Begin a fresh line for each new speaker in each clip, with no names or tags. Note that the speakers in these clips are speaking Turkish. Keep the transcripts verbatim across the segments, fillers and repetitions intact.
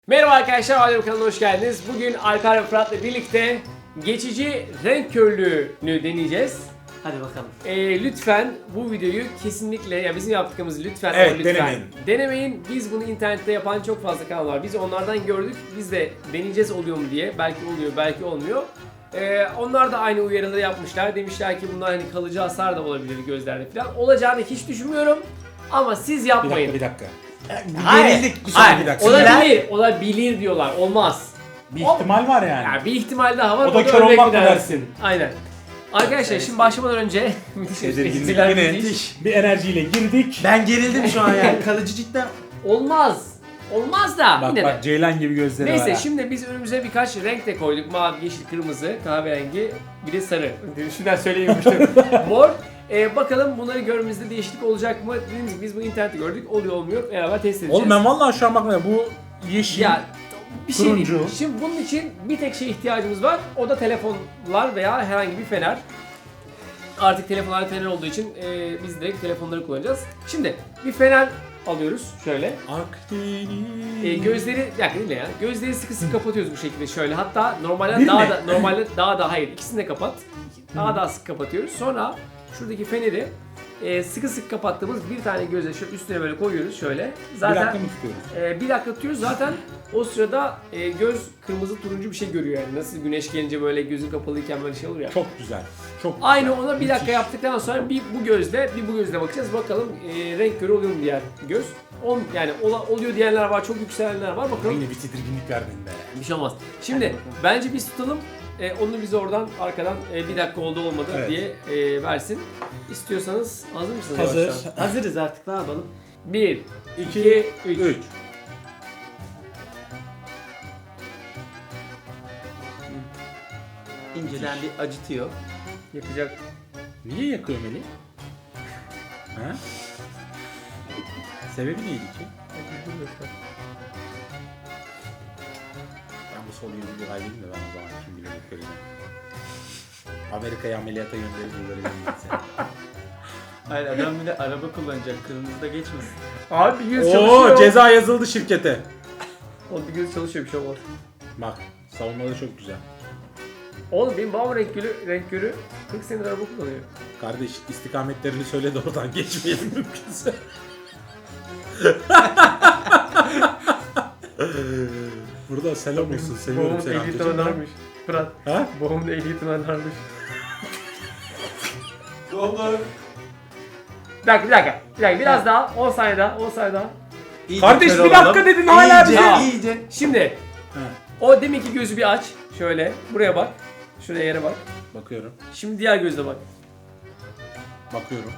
Merhaba arkadaşlar, Alem kanalına hoş geldiniz. Bugün Alper ve Fırat'la birlikte geçici renk körlüğünü deneyeceğiz.
Hadi bakalım.
Ee, lütfen bu videoyu kesinlikle, ya bizim yaptığımızı lütfen
Evet,
ama lütfen
denemeyin.
denemeyin. Biz bunu internette yapan çok fazla kanal var. Biz onlardan gördük. Biz de deneyeceğiz oluyor mu diye. Belki oluyor, belki olmuyor. Ee, onlar da aynı uyarıları yapmışlar. Demişler ki bunlar hani kalıcı hasar da olabilir gözlerde falan. Olacağını hiç düşünmüyorum. Ama siz
Bir
yapmayın.
dakika, bir dakika.
Hayır,
Gerildik.
Bir saniye,
hayır.
bir dakika.
Olabilir, olabilir diyorlar. Olmaz.
Bir ihtimal var yani.
Yani bir ihtimal daha var.
O da kör
örnek
olmak mı
bir
dersin?
Aynen. Arkadaşlar şimdi başlamadan önce müthiş
Tedirginlik
espriler,
yine.
müthiş.
Bir enerjiyle girdik.
Ben gerildim şu an yani. Kalıcı cidden.
Olmaz. Olmaz da
Bak
yine
bak
de.
Ceylan gibi gözleri var.
Neyse
ha.
şimdi biz önümüze birkaç renk de koyduk. Mavi, yeşil, kırmızı, kahverengi, bir de sarı. Şuradan söyleyemiştim. Mor. Ee, bakalım bunları görmemizde değişiklik olacak mı? Dediğimiz gibi biz bu internette gördük. Oluyor olmuyor. Beraber test edeceğiz.
Oğlum ben vallahi şu an bakmıyorum. Bu yeşil.
Ya bir şey
turuncu.
değil. Şimdi bunun için bir tek şeye ihtiyacımız var. O da telefonlar veya herhangi bir fener. Artık telefonlarda fener olduğu için e, biz direkt telefonları kullanacağız. Şimdi bir fener alıyoruz şöyle.
Akdeniz.
E, gözleri, bir dakika değil mi ya? Gözleri sıkı sıkı kapatıyoruz bu şekilde şöyle. Hatta normalde
Bir
daha
mi?
da normalde daha da hayır ikisini de kapat. Daha daha sık kapatıyoruz. Sonra şuradaki feneri e, sıkı sıkı kapattığımız bir tane göze şöyle üstüne böyle koyuyoruz şöyle. Zaten
Bir dakika mı tutuyoruz?
e, bir dakika tutuyoruz zaten o sırada e, göz kırmızı turuncu bir şey görüyor yani. Nasıl güneş gelince böyle gözün kapalıyken böyle şey olur ya.
Çok güzel. Çok güzel.
Aynı ona bir dakika
Müthiş.
yaptıktan sonra bir bu gözle bir bu gözle bakacağız. Bakalım e, renk körü oluyor mu diğer göz. On, yani ola, oluyor diyenler var, çok yükselenler var. Bakalım.
Yine bir tedirginlik verdin be.
Bir şey olmaz. Şimdi bence biz tutalım. E, onu bize oradan arkadan e, bir dakika oldu olmadı
Evet.
diye e, versin. İstiyorsanız hazır mısınız?
Hazır.
yavaştan?
Hazırız artık, ne yapalım?
Bir,
İki,
iki, üç.
üç.
İnceden bir acıtıyor.
Yakacak.
Niye yakıyor Melih? Ha? Sebebi neydi ki? Ben bu soruyu bir alayım da ben o zaman kim bilir göreceğim. Amerika'ya ameliyata gönderip göreceğim seni.
Hayır, adam bir de araba kullanacak, kırmızıda geçmesin.
Abi bir göz
Oo,
çalışıyor.
ceza yazıldı şirkete.
O bir göz çalışıyor, bir şey olmaz.
Bak, savunmaları çok güzel.
Oğlum benim babam renk körü, renk körü kırk senedir araba kullanıyor.
Kardeş istikametlerini söyle de oradan geçmeyelim mümkünse. Burada selam olsun, seviyorum
Babamın
seni
ehliyetini
amcacığım.
ararmış. Fırat.
Ha?
Babamın ehliyetini ararmış.
Olur.
Bir dakika, bir dakika. Bir dakika, biraz daha. on saniye daha, on saniye daha.
Kardeş, bir dakika dedin, hala
iyice,
bize-
iyice.
Şimdi
Ha,
o deminki gözü bir aç. Şöyle. Buraya bak. Şuraya yere bak.
bakıyorum,
Şimdi diğer gözle bak.
bakıyorum.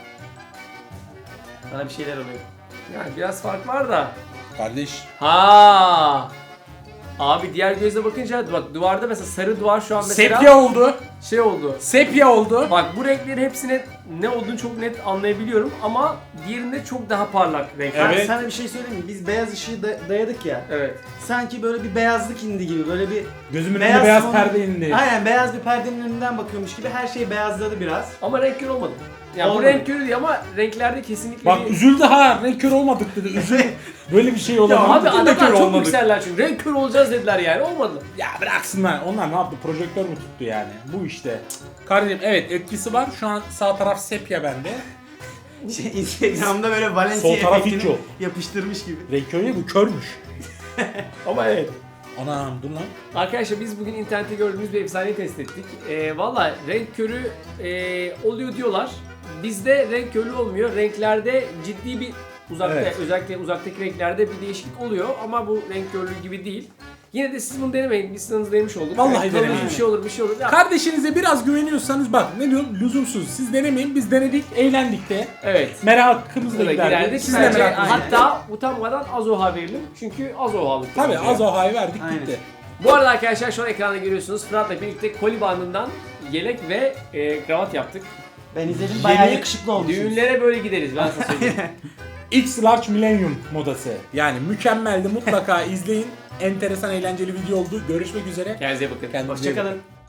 Sana bir şeyler oluyor. Yani biraz fark var da.
Kardeş,
Ha. Abi diğer gözle bakınca bak duvarda mesela sarı duvar şu an mesela
sepya oldu,
şey oldu.
sepya oldu.
Bak bu renkleri hepsine ne olduğunu çok net anlayabiliyorum ama diğerinde çok daha parlak renkler.
Ben
Evet.
sana bir şey söyleyeyim mi? Biz beyaz ışığı da- dayadık ya.
Evet.
Sanki böyle bir beyazlık indi gibi, böyle bir
Gözümün
Beyaz
önünde beyaz
salon-
perde indi.
aynen beyaz bir perdenin önünden bakıyormuş gibi her şey beyazladı biraz.
Ama renk körü olmadı. Yani bu
Olmadı.
renk körü değil ama renklerde kesinlikle
Bak
bir...
üzüldü ha, renk kör olmadık dedi, üzüldü. Böyle bir şey
Ya
olamaz.
abi
Biz de
adamlar
kör
çok
olmadık.
yükseller çünkü. Renk körü olacağız dediler yani. Olmadı.
Ya bıraksınlar. Onlar ne yaptı? Projektör mü tuttu yani? Bu işte. Kardeşim evet etkisi var. Şu an sağ taraf sepya bende.
Şey, Instagram'da böyle Valencia
Sol taraf hiç
efektini
yok.
yapıştırmış gibi.
Renk körü bu körmüş.
Ama evet.
Anam dur lan.
Arkadaşlar biz bugün internette gördüğümüz bir efsaneyi test ettik. Ee, Valla renk körü e, oluyor diyorlar. Bizde renk körü olmuyor. Renklerde ciddi bir uzakta
Evet.
özellikle uzaktaki renklerde bir değişiklik oluyor ama bu renk körlüğü gibi değil. Yine de siz bunu denemeyin. Biz sınavınızı denemiş olduk.
Vallahi
Evet, tanımış
denemeyin.
bir şey olur, bir şey olur. Ya,
Kardeşinize biraz güveniyorsanız bak ne diyorum lüzumsuz. Siz denemeyin, biz denedik, eğlendik de.
evet.
Merakımız da
Burada
giderdi.
giderdik.
Siz de
Bence
merakınız giderdi.
hatta utanmadan az oha verelim. Çünkü az oha aldık.
Tabii az ohayı verdik
Aynen.
gitti.
Bu arada arkadaşlar şu an ekranda görüyorsunuz. Fırat'la birlikte koli bandından yelek ve e, kravat yaptık.
Ben izledim, bayağı
Yeni
yakışıklı olmuşsunuz.
Düğünlere böyle gideriz ben sana söyleyeyim.
X Large Millennium modası. Yani mükemmeldi, mutlaka izleyin. Enteresan, eğlenceli video oldu. Görüşmek üzere.
Kendinize iyi bakın.
Kendinize iyi
Hoşçakalın.
bakın.